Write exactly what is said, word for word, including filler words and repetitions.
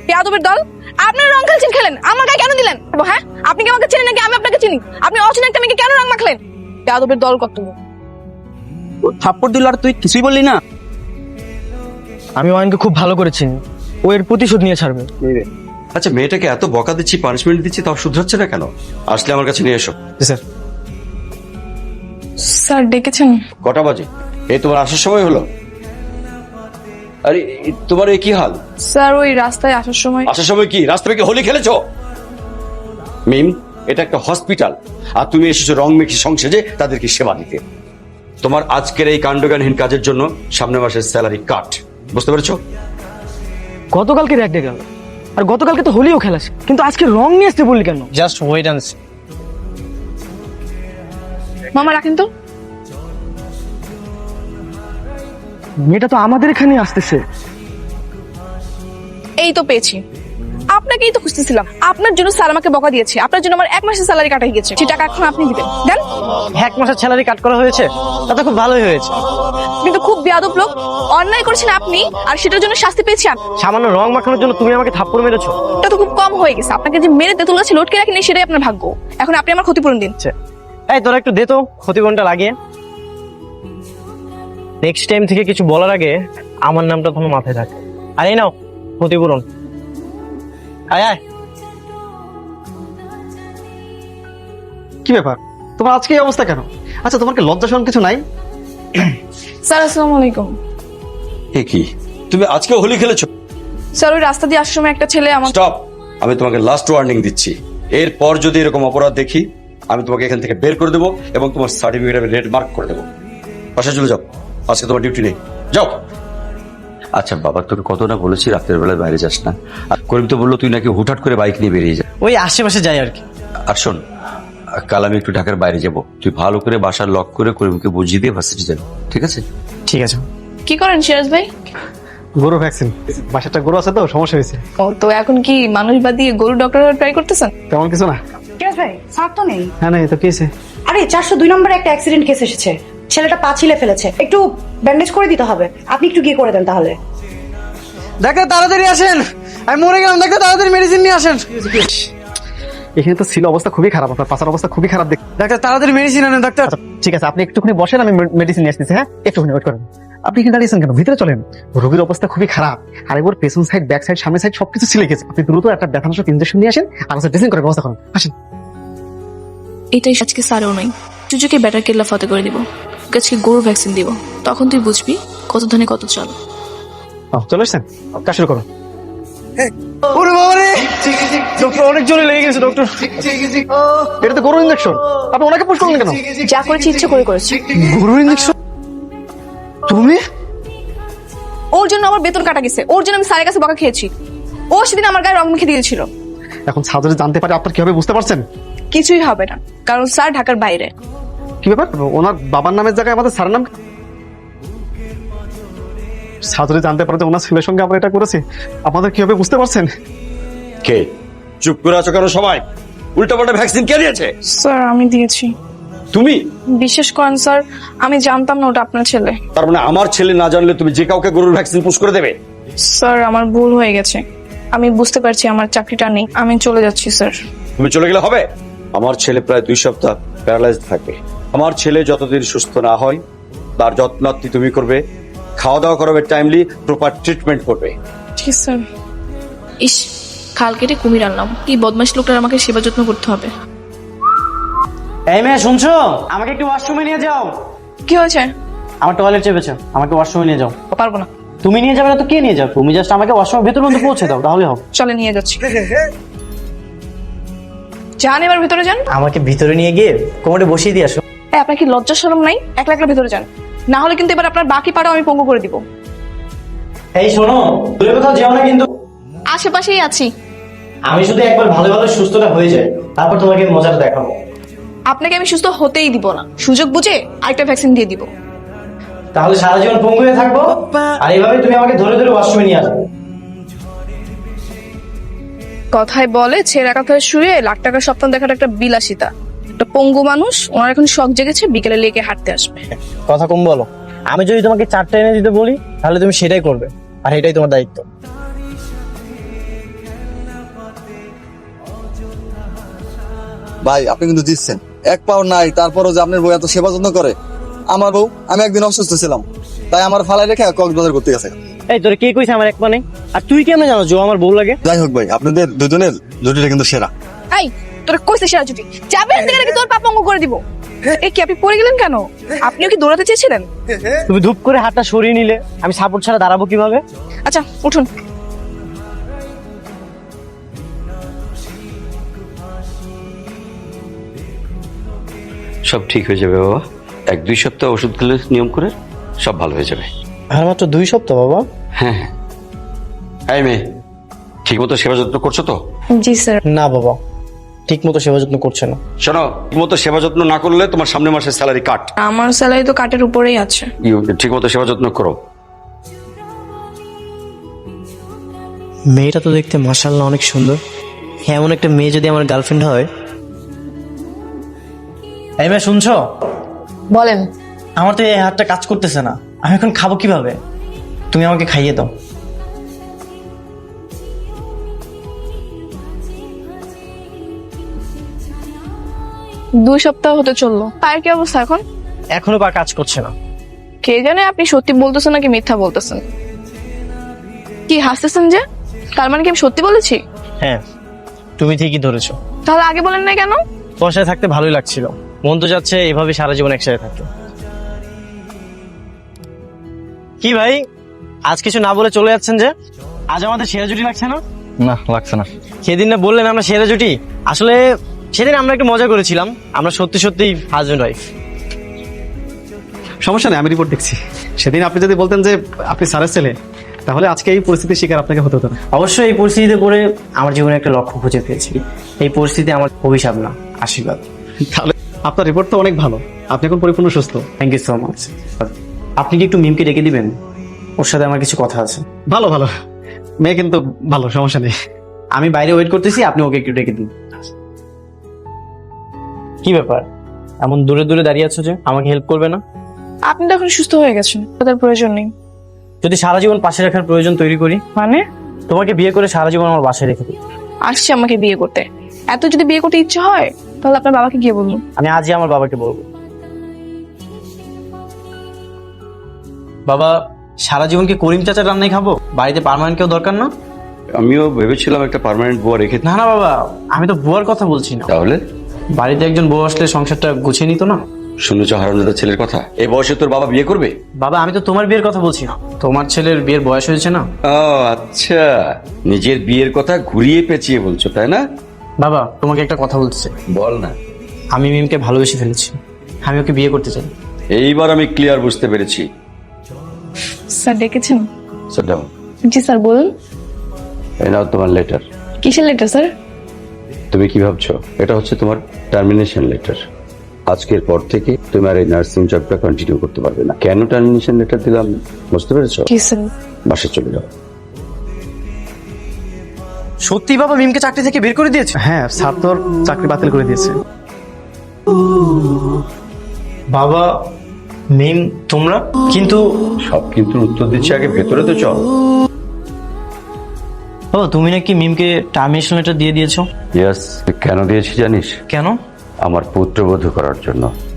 বেয়াদবের দল, আপনার রং খেলছেন, খেলেন, আমার গায়ে কেন দিলেন? হ্যাঁ, আপনি কি আমাকে চেনেন নাকি আমি আপনাকে চিনি? আপনি অচেনা একটা মেয়েকে কেন রং মাখলেন? বেয়াদবের দল কত! থাপ্পড় দিল আর তুই কিছুই বললি না? আমি ওয়াইনকে খুব ভালো করে চিনি, ও এর প্রতিশোধ নিয়ে ছাড়বে। আচ্ছা, মেয়েটাকে এত বকা দিচ্ছি, পানিশমেন্ট দিচ্ছি, তাও শুধরাচ্ছে না কেন? আসলে আমার কাছে নিয়ে এসো। স্যার স্যার ডেকেছেন? কটা বাজে? এই তোমার আসার সময় হলো? আরে এ- তোমার এই কি হাল? স্যার ওই রাস্তায় আসার সময়। আসার সময় কি রাস্তায় কি হোলি খেলেছো? মিম, এটা একটা হসপিটাল, আর তুমি এসেছো রং মেখে সংসেজে তাদেরকে সেবা দিতে। তোমার আজকের এই কাণ্ডজ্ঞানহীন কাজের জন্য সামনের মাসের স্যালারি কাট, বুঝতে পেরেছো? গতকালকে র্যাক ডে গেল, আর গতকালকে তো হোলিও খেলাছে, কিন্তু আজকে রং নিয়ে আসতে বললি কেন? Just wait and see. মামা রাখেন তো। মেয়েটা তো আমাদের এখানে আসতেছে। এই তো পেয়েছি, আপনাকেই তো খুঁজতেছিলাম। আপনার জন্য স্যার আমাকে বকা দিয়েছে, আপনার জন্য আমার এক মাসের স্যালারি কাটা গেছে, সেই টাকা এখন আপনি দিবেন, দেন। এক মাসের স্যালারি কাট করা হয়েছে, তাতে খুব ভালোই হয়েছে। কিন্তু খুব বেয়াদব লোক, অন্যায় করেছেন আপনি, আর সেটার জন্য শাস্তি পেয়েছি আমি। সামান্য রং মাখানোর জন্য তুমি আমাকে থাপ্পড় মেরেছো। এটা তো খুব কম হয়ে গেছে, আপনাকে যে মেরে তেঁতুল গাছে লটকে রাখেনি সেটাই আপনার ভাগ্য। এখন আপনি আমার ক্ষতিপূরণ দিন। এই তোরা একটু দে তো ক্ষতিপূরণটা লাগিয়ে। নেক্সট টাইম থেকে কিছু বলার আগে আমার নামটা তোমার মাথায় থাকে। আর এই নাও ক্ষতিপূরণ। আয় আয়। কি ব্যাপার, তোমার আজকে এই অবস্থা কেন? আচ্ছা, তোমার কি লজ্জা শরম কিছু নাই? স্যার আসসালামু আলাইকুম। এ কি, তুমি আজকে হোলি খেলেছো? স্যার ওই রাস্তা দিয়ে আসার সময় একটা ছেলে আমার। স্টপ, আমি তোমাকে লাস্ট ওয়ার্নিং দিচ্ছি। এরপর যদি এরকম অপরাধ দেখি, আমি তোমাকে এখান থেকে বের করে দেবো এবং তোমার সার্টিফিকেট আমি রেড মার্ক করে দেবো। বাসায় চলে যাও, আজকে তোমার ডিউটি নেই, যাও। আচ্ছা বাবা, তোকে কত না বলেছি রাতের বেলায় বাইরে যাস না। আর করিম তো বললো তুই নাকি হুটহাট করে বাইক নিয়ে বেরিয়ে যা। ওই আশেপাশে যাই আর কি। আর শোন, কাল আমি একটু ঢাকার বাইরে যাব, তুই ভালো করে বাসার লক করে করিমকে বুঝিয়ে দিয়ে ভার্সিটি যাবি, ঠিক আছে? ঠিক আছে। কি করেন সিরাজ ভাই? গরু ভ্যাকসিন, বাসাটা গরু আছে তো সমস্যা হয়েছে। ও তো এখন কি মানুষ বাদ দিয়ে গরু ডক্টর ট্রাই করতেছেন? তেমন কিছু না। সিরাজ ভাই, স্যার তো নেই। হ্যাঁ, না তো কি হয়েছে? আরে চারশো দুই নম্বরে একটা অ্যাক্সিডেন্ট কেস এসেছে, ছেলেটা পা ছিলে ফেলেছে, একটু ব্যান্ডেজ করে দিতে হবে, আপনি একটু গিয়ে করে দেন তাহলে। ডাক্তার তাড়াতাড়ি আসেন, আমি মরে গেলাম, ডাক্তার তাড়াতাড়ি মেডিসিন নিয়ে আসেন। এখানে তো ছিল অবস্থা খুবই খারাপ, আপনার পাশার অবস্থা খুবই খারাপ দেখ। ডাক্তার তাড়াতাড়ি মেডিসিন আনেন ডাক্তার। ঠিক আছে, আপনি একটুখানি বসেন, আমি মেডিসিন নিয়ে আসতেছি। হ্যাঁ, একটুখানি ওয়েট করেন। আপনি এখানে দাঁড়িয়েছেন কেন? ভিতরে চলেন, রোগীর অবস্থা খুবই খারাপ। আর একবার পেছন সাইড, ব্যাক সাইড, সামনের সাইড সবকিছু ছিলে গেছে। আপনি দ্রুত একটা ব্যথানাশক ইনজেকশন নিয়ে আসেন আর ড্রেসিং করার ব্যবস্থা করুন। আসেন। এটাই আজকে স্যারও নয়, চুজুকে ব্যাটার কেল্লা ফতে করে দিব, ওকে আজকে গরু ভ্যাকসিন দিব, তখন তুই বুঝবি কত ধানে কত চাল। ও, চলে এসছেন, কাজ শুরু করুন। ওরে বাবা রে, ডক্টর অনেক জোরে লেগে গেছে ডক্টর। এটা তো গরু ইনজেকশন, আপনি ওনাকে পুশ করলেন কেন? যা করেছি ইচ্ছে করে করেছি। গরু ইনজেকশন? তুমি? ওর জন্য আমার বেতন কাটা গেছে, ওর জন্য আমি স্যারের কাছে বকা খেয়েছি। ও সেদিন আমার গায়ে রং মেখে দিয়েছিল। এখন সার্জারি জানতে পারে আপনার কি হবে বুঝতে পারছেন? কিছুই হবে না, কারণ স্যার ঢাকার বাইরে। কি ব্যাপার, ওনার বাবার নামের জায়গায় আমাদের স্যারের নাম? সার্জারি জানতে পারে যে ওনার ছেলের সঙ্গে আমরা এটা করেছি, আপনাদের কি হবে বুঝতে পারছেন? কে চুপ করে আছো কেন সবাই? উল্টাপাল্টা ভ্যাকসিন কে দিয়েছে? স্যার আমি দিয়েছি। তুমি? বিশ্বাস করেন স্যার, আমি জানতাম না ওটা আপনার ছেলে। তার মানে আমার ছেলে না জানলে তুমি যে কাউকে গরুর ভ্যাকসিন পুশ করে দেবে? স্যার আমার ভুল হয়ে গেছে, আমি বুঝতে পারছি আমার চাকরিটা নেই, আমি চলে যাচ্ছি স্যার। তুমি চলে গেলে হবে? আমার ছেলে প্রায় দুই সপ্তাহ প্যারালাইজড থাকবে। আমার ছেলে যতদিন সুস্থ না হয় তার যত্নার্থী তুমি করবে, খাওয়া দাওয়া করাবে, টাইমলি প্রপার ট্রিটমেন্ট করবে। ঠিক স্যার। ইস, খাল কেটে কুমির আনলাম, এই বদমাশ লোকটার আমাকে সেবা যত্ন করতে হবে। এই মেয়ে শুনছো, আমাকে একটু ওয়াশরুমে নিয়ে যাও। কি হয়েছে? আমার টয়লেট চেপেছে, আমাকে ওয়াশরুমে নিয়ে যাও। পারবো না। তুমি নিয়ে যাবে না তো কে নিয়ে যাবে? তুমি জাস্ট আমাকে ওয়াশরুমের ভেতর পর্যন্ত পৌঁছে দাও, তাহলে হবে। চলে নিয়ে যাচ্ছি। যান এবার ভিতরে যান। আমাকে ভিতরে নিয়ে গিয়ে কোমরে বসিয়ে দিয়ে আসো। এই, আপনার কি লজ্জা শরম নাই? একলা একলা ভিতরে যান, না হলে কিন্তু এবার আপনার বাকি পাড়াও আমি পঙ্গু করে দিব। এই শোনো, দূরে কোথাও যেও না কিন্তু। আশেপাশেই আছি। আমি শুধু একবার ভালো ভালো সুস্থটা হয়ে যায়, তারপর তোমাকে মজাটা দেখাবো। আপনাকে আমি সুস্থ হতেই দিব না, সুযোগ বুঝে আরেকটা ভ্যাকসিন দিয়ে দিব। তাহলে সারা জীবন পঙ্গু হয়ে থাকবো, আর এইভাবে তুমি আমাকে ধরে ধরে ওয়াশরুমে নিয়ে আসবে। কথায় বলে ছেঁড়া কাঁথায় শুয়ে লাখ টাকার স্বপ্ন দেখাটা একটা বিলাসিতা। একটা পঙ্গু মানুষ, ওনার এখন শখ জেগেছে বিকেলে লেকে হাঁটতে আসবে। কথা কম বলো। আমি যদি তোমাকে চারটা এনে দিতে বলি তাহলে তুমি সেটাই করবে, আর এটাই তোমার দায়িত্ব। ভাই আপনি কিন্তু দিচ্ছেন এক পাও নাই, তারপরও যে আপনার বউ এত সেবা যত্ন করে। আমার বউ, আমি একদিন অসুস্থ ছিলাম, তাই আমার ফালাই রেখে কক্সবাজার করতে গেছে। এই তোর কে কইছে আমার এক মানে? আর তুই কেমনে জানো যে ও আমার বউ লাগে? যাই হোক ভাই, আপনাদের দুজনের জুটিটা কিন্তু সেরা। এই তোর কইছে সেরা জুটি যাবেন থেকে নাকি তোর পা পঙ্গু করে দিব। এই কি আপনি পড়ে গেলেন কেন? আপনিও কি দৌড়াতে চেয়েছিলেন? তুমি ধূপ করে হাতটা সরিয়ে নিলে আমি সাপোর্ট ছাড়া দাঁড়াবো কিভাবে? আচ্ছা উঠুন। সব ঠিক হয়ে যাবে বাবা, এক দুই সপ্তাহ ওষুধ খেলে নিয়ম করে সব ভালো হয়ে যাবে। আর মাত্র দুই সপ্তাহ বাবা? হ্যাঁ হ্যাঁ। এই মেয়ে, ঠিক মতো সেবা যত্ন করছো তো? জি স্যার। না বাবা, ঠিক মতো সেবা যত্ন করছে না। শোনো, ঠিক মতো সেবা যত্ন না করলে তোমার সামনের মাসের স্যালারি কাট। আমার স্যালারি তো কাটের উপরেই আছে। ঠিক মতো সেবা যত্ন করো। মেয়েটা তো দেখতে মাশাআল্লাহ অনেক সুন্দর। এমন একটা মেয়ে যদি আমার গার্লফ্রেন্ড হয়। এই মেয়ে শুনছো? বলেন। আমার তো এই হাতটা কাজ করতেছে না, আমি এখন খাবো কিভাবে? তুমি আমাকে খাইয়ে দাও। দুই সপ্তাহ হতে চললো, পায়ের কি অবস্থা এখন? এখনো পা কাজ করছে না। কে জানে আপনি সত্যি বলতেছেন নাকি মিথ্যা বলতেছেন। কি হাসতেছেন যে? তার মানে কি আমি সত্যি বলেছি? হ্যাঁ, তুমি ঠিকই ধরেছো। তাহলে আগে বলেন না কেন? তোমার সাথে থাকতে ভালোই লাগছিল, মন তো যাচ্ছে এভাবে সারা জীবন একসাথে থাকতে। কি ভাই, আজ কিছু না বলে চলে যাচ্ছেন যে? আজ আমাদের সেরা জুটি লাগছে না? না লাগছে না। সেদিন না বললেন আমরা সেরা জুটি? আসলে সেদিন আমরা একটু মজা করেছিলাম, আমরা সত্যি সত্যি হাজবেন্ড ওয়াইফ। সমস্যা নেই, আমি রিপোর্ট দেখছি। সেদিন আপনি যদি বলতেন যে আপনি স্যারের ছেলে, তাহলে আজকে এই পরিস্থিতির শিকার আপনাকে হতে হতো না। অবশ্যই এই পরিস্থিতিতে পড়ে আমার জীবনে একটা লক্ষ্য খুঁজে পেয়েছি। এই পরিস্থিতি আমার অভিশাপ না, আশীর্বাদ। তাহলে আপনার রিপোর্ট তো অনেক ভালো, আপনি এখন পরিপূর্ণ সুস্থ। Thank you so much. আপনি কি একটু মিমকে ডেকে দিবেন? ওর সাথে আমার কিছু কথা আছে। ভালো ভালো, মেয়ে কিন্তু ভালো, সমস্যা নেই। আমি বাইরে ওয়েট করতেছি, আপনি ওকে একটু ডেকে দিন। কি ব্যাপার, এমন দূরে দূরে দাঁড়িয়ে আছো যে? আমাকে হেল্প করবে না? আপনি তো এখন সুস্থ হয়ে গেছেন, তার প্রয়োজন নেই। যদি সারা জীবন পাশে রাখার প্রয়োজন তৈরি করি? মানে? তোমাকে বিয়ে করে সারা জীবন আমার বাসায় রেখে দিই। আসছে আমাকে বিয়ে করতে, এত যদি বিয়ে করতে ইচ্ছে হয় তাহলে আপনার বাবাকে গিয়ে বলুন। আমি আজই আমার বাবাকে বলবো। বাবা, সারা জীবন কি করিম চাচার রান্নাই খাবো? বাড়িতে পার্মানেন্ট কেউ দরকার না? আমিও ভেবেছিলাম একটা পার্মানেন্ট বুয়া রেখে। না না বাবা, আমি তো বুয়ার কথা বলছি না। তাহলে বাড়িতে একজন বউ আসলে সংসারটা গুছিয়ে নিত না? শুনেছ হারামজাদা ছেলের কথা? এই বয়সে তোর বাবা বিয়ে করবে? বাবা, আমি তো তোমার বিয়ের কথা বলছি না, তোমার ছেলের বিয়ের বয়স হয়েছে না। ও আচ্ছা, নিজের বিয়ের কথা ঘুরিয়ে পেঁচিয়ে বলছো তাই না? বাবা, তোমাকে একটা কথা বলতেছে। বল না। আমি মিমকে ভালোবেসে ফেলেছি, আমি ওকে বিয়ে করতে চাই। এইবার আমি ক্লিয়ার বুঝতে পেরেছি। স্যার ডেকেছেন? Sit down. জি স্যার বলুন। এই নাও তোমার লেটার। কিসের লেটার স্যার? তুমি কি ভাবছো এটা হচ্ছে তোমার টার্মিনেশন লেটার? আজকের পর থেকে তুমি আর এই নার্সিং জবটা কন্টিনিউ করতে পারবে না। কেন টার্মিনেশন লেটার দিলাম বুঝতে পেরেছো? কি স্যার? বাসে চলে যাও। সত্যি বাবা মিমকে চাকরি থেকে বের করে দিয়েছে? হ্যাঁ, স্যার তোর চাকরি বাতিল করে দিয়েছে। বাবা, মিম তোমরা কিন্তু? সব কিন্তু উত্তর দিচ্ছি, আগে ভেতরে তো চল। বাবা, তুমি নাকি মিমকে টার্মিনেশন লেটার দিয়ে দিয়েছো? ইয়েস। কেন দিয়েছি জানিস? কেন? আমার পুত্রবধূ করার জন্য।